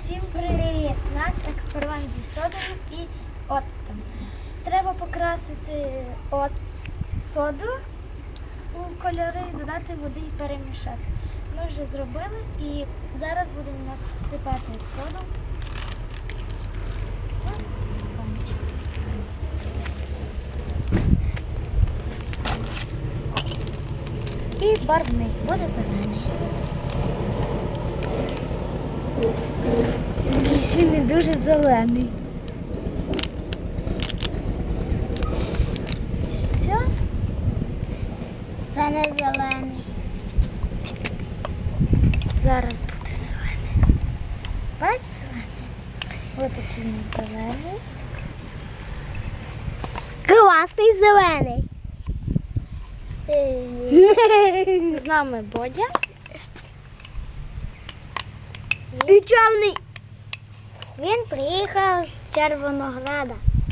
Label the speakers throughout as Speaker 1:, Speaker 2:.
Speaker 1: Всім привіт! У нас експеримент зі содою і оцтом. Треба покрасити соду у кольори, додати води і перемішати. Ми вже зробили і зараз будемо насипати соду. І барвник буде зелений. Якийсь він не дуже зелений. Це все?
Speaker 2: Це не зелений.
Speaker 1: Зараз буде зелений. Бач зелений? Ось такий у нас зелений.
Speaker 2: Класний зелений.
Speaker 1: З нами Бодя.
Speaker 2: І чорний. Він приїхав з Червонограда.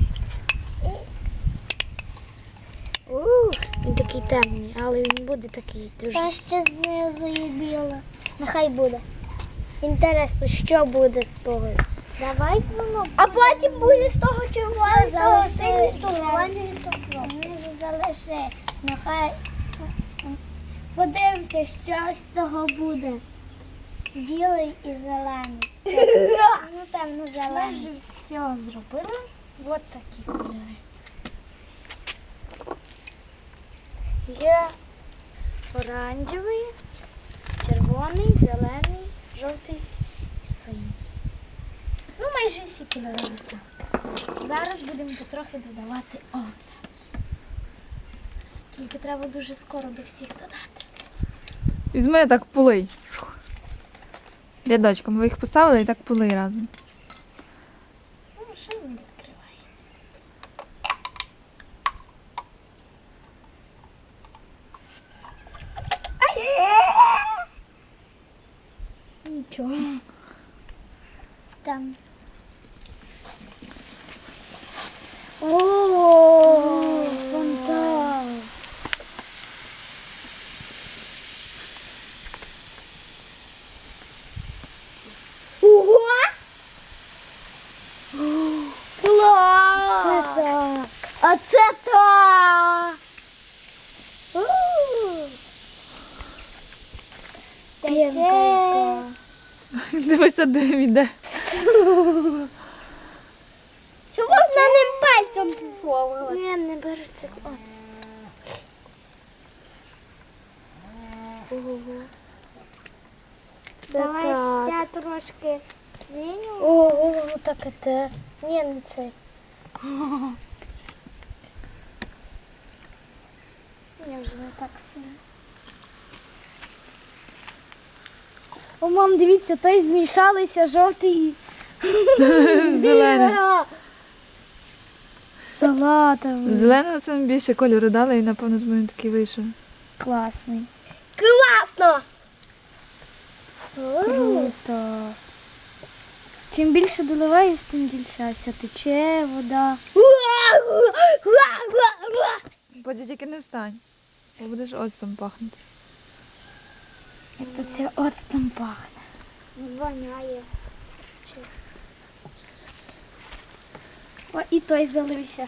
Speaker 1: Він такий темний, але він буде такий дуже.
Speaker 2: Та ще знизу є біле. Нехай буде. Інтересно, що буде з того.
Speaker 1: Давай воно.
Speaker 2: А потім буде з того червоного, з того синього, з того
Speaker 1: Залиши.
Speaker 2: не залиши. Нехай подивимося, що з того буде. Білий і зелений. Ну, темно
Speaker 1: Ми
Speaker 2: зелений.
Speaker 1: вже все зробили. Ось такі кольори. Є оранжевий, червоний, зелений, жовтий і синій. Ну, майже всі кольори веселки. Зараз будемо потрохи додавати оцет. Тільки треба дуже скоро до всіх додати.
Speaker 3: Візьми так полий. Рядочком. Ви їх поставили і так полий разом.
Speaker 1: Ну, ще й не відкривається. Нічого.
Speaker 2: Там. О,
Speaker 1: Фонтан.
Speaker 2: Ого!
Speaker 1: Це
Speaker 2: Клас!
Speaker 1: так.
Speaker 2: А це так!
Speaker 1: Пінка
Speaker 2: Це...
Speaker 1: яка.
Speaker 3: Дивися, де він йде.
Speaker 2: Що можна ним пальцем попробувати?
Speaker 1: Ні, не береться оцет. Ого. Це
Speaker 2: Давай
Speaker 1: так.
Speaker 2: ще трошки синю.
Speaker 1: Ого, так і те. Ні, не цей. Я вже не так сильно. О, мам, дивіться, той змішалися жовтий.
Speaker 3: Зелений.
Speaker 1: Салатовий.
Speaker 3: Зеленого саме більше кольору дали і, напевно, тому він такий вийшов.
Speaker 1: Класний.
Speaker 2: Класно!
Speaker 1: Круто. Чим більше доливаєш, тим більше ось тече вода.
Speaker 3: Потім тільки не встань, бо будеш оцтом пахнути.
Speaker 1: Як то це оцтом пахне.
Speaker 2: Воняє.
Speaker 1: О, і той залився.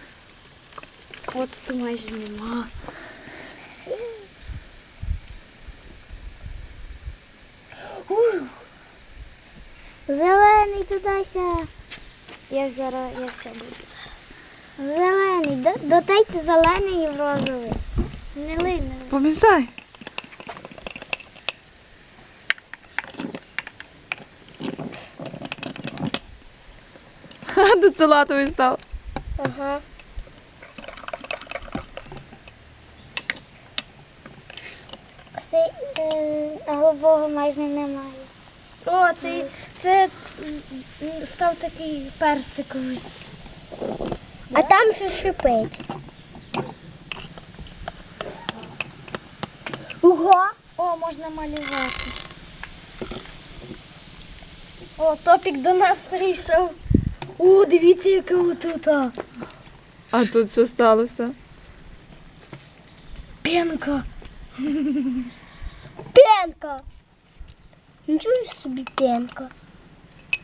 Speaker 1: Оцту майже нема.
Speaker 2: Зелений тудася.
Speaker 1: Я все буду зараз.
Speaker 2: Зелений. Додайте зелений і в розовий.
Speaker 1: Не лий, не лий.
Speaker 3: Помішай. Ха, тут салатовий став.
Speaker 2: Ага. Голубого майже немає.
Speaker 1: О, це став такий персиковий.
Speaker 2: А там ще шипить. Ого!
Speaker 1: О, можна малювати. О, Топік до нас прийшов. О, дивіться, яке отут.
Speaker 3: А тут що сталося?
Speaker 1: Пенка.
Speaker 2: Пенка. Нічого собі пенка.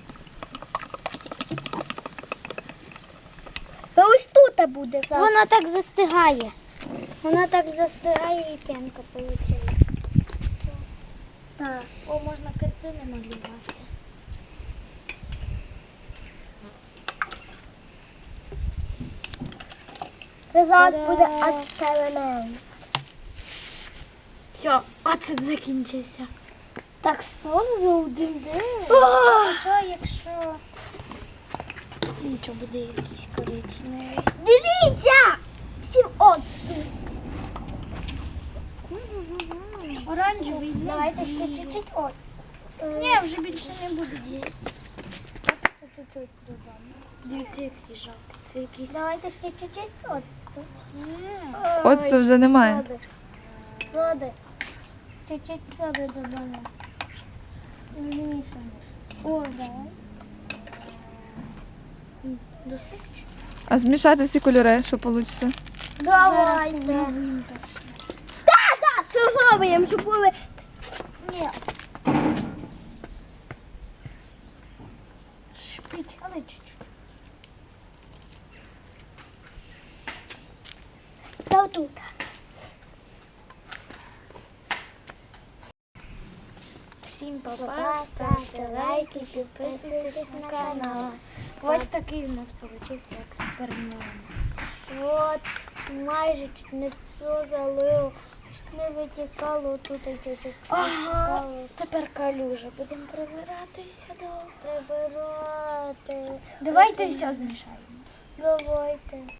Speaker 2: сода буде. Воно так застигає. Воно так застигає і п'янка виходить.
Speaker 1: Так. О, можна картини малювати.
Speaker 2: Це зараз буде експеримент.
Speaker 1: Все, оцет закінчився.
Speaker 2: Так скоро за один день.
Speaker 1: А що, якщо нічого буде якийсь коричневий?
Speaker 2: Дивіться! Всім оцту.
Speaker 1: Оранжевий.
Speaker 2: Давайте ще чуть-чуть оцту.
Speaker 1: Ні, вже більше не буде діяти.
Speaker 2: Чуть-чуть додамо.
Speaker 1: Дивіться, який жовтий. Це якийсь.
Speaker 2: Давайте ще чуть-чуть оцту.
Speaker 3: Оцту вже немає.
Speaker 2: Соди. Соди. Чуть-чуть соди додамо. Змішаємо. О, давай.
Speaker 1: Досипчу.
Speaker 3: А змішати всі кольори, що вийде?
Speaker 2: Давайте. Так, спробуємо, щоб були. Ні.
Speaker 1: Шпить, але чуть-чуть.
Speaker 2: Та отут.
Speaker 1: Всім па-па, ставте лайки, підписуйтесь на канал. Ось такий у нас вийшов експеримент.
Speaker 2: От, майже чуть не все залило, чуть не витікало, тут і чуть-чуть
Speaker 1: Ага,
Speaker 2: витікало.
Speaker 1: тепер калюжа. Будемо прибиратися довго.
Speaker 2: Прибирати.
Speaker 1: Давайте все змішаємо.
Speaker 2: Давайте.